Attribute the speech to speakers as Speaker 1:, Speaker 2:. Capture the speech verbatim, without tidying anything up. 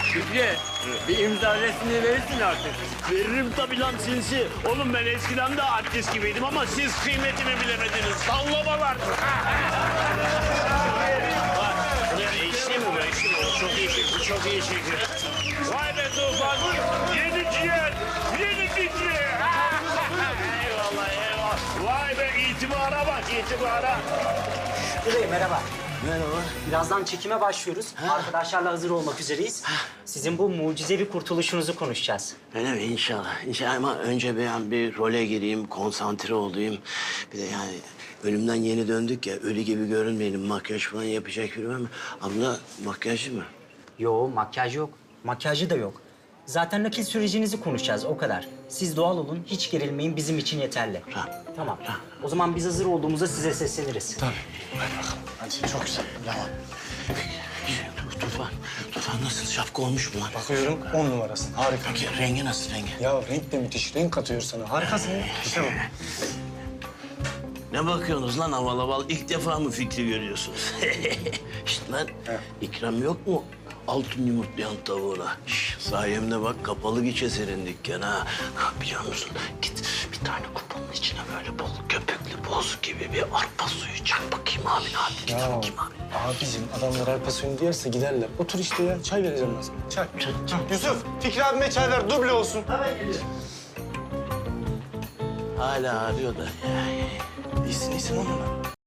Speaker 1: Şükrü, bir imza resmini verirsin artık.
Speaker 2: Veririm tabii lan sinsi. Oğlum ben eskiden de artist gibiydim ama siz kıymetimi bilemediniz. Sallamalar. Eşli mi bu? Eşli mi? O çok iyi şekil, çok iyi şekil. Vay be Tufan. Yedi ciğer, yedi ciğer. Eyvallah, eyvallah. Vay be itibara bak, itibara.
Speaker 3: Şükrü Bey merhaba.
Speaker 2: Merhaba.
Speaker 3: Birazdan çekime başlıyoruz. Arkadaşlarla hazır olmak üzereyiz. Sizin bu mucizevi kurtuluşunuzu konuşacağız.
Speaker 2: Öyle mi? İnşallah. İnşallah ama önce ben bir role gireyim, konsantre olayım. Bir de yani ölümden yeni döndük ya, ölü gibi görünmeyelim. Makyaj falan yapacak biri var mı? Abla makyajlı mı?
Speaker 3: Yo makyaj yok. Makyajı da yok. Zaten nakil sürecinizi konuşacağız o kadar. Siz doğal olun, hiç gerilmeyin bizim için yeterli.
Speaker 2: Tamam.
Speaker 3: Tamam. O zaman biz hazır olduğumuzda size sesleniriz.
Speaker 4: Tabii. Hadi bakalım. Hadi çok güzel. Devam.
Speaker 2: Şey, Tufan, Tufan nasıl? Şapka olmuş mu lan?
Speaker 4: Bakıyorum on numarasın. Harika.
Speaker 2: Peki rengi nasıl rengi?
Speaker 4: Ya renk de müthiş. Renk katıyor sana. Harikasın ya. İşte bak.
Speaker 2: Ne bakıyorsunuz lan aval aval? İlk defa mı fikri görüyorsunuz? İşte lan ikram yok mu? Altın yumurtlayan tavuğuna. Şş, sayemde bak kapalı geçe senin dükkan ha. Ha, biliyor musun? Git bir tane kupanın içine böyle bol köpüklü boz gibi bir arpa suyu çak bakayım abi abi. Git
Speaker 4: Ya
Speaker 2: bakayım abi.
Speaker 4: abicim adamlar arpa suyunu diyerse giderler. Otur işte ya. Çay vereceğim ben sana. Çay. Hah, Yusuf, Fikri abime çay ver. Duble olsun.
Speaker 2: Hala arıyor da. İyisin iyisin onunla.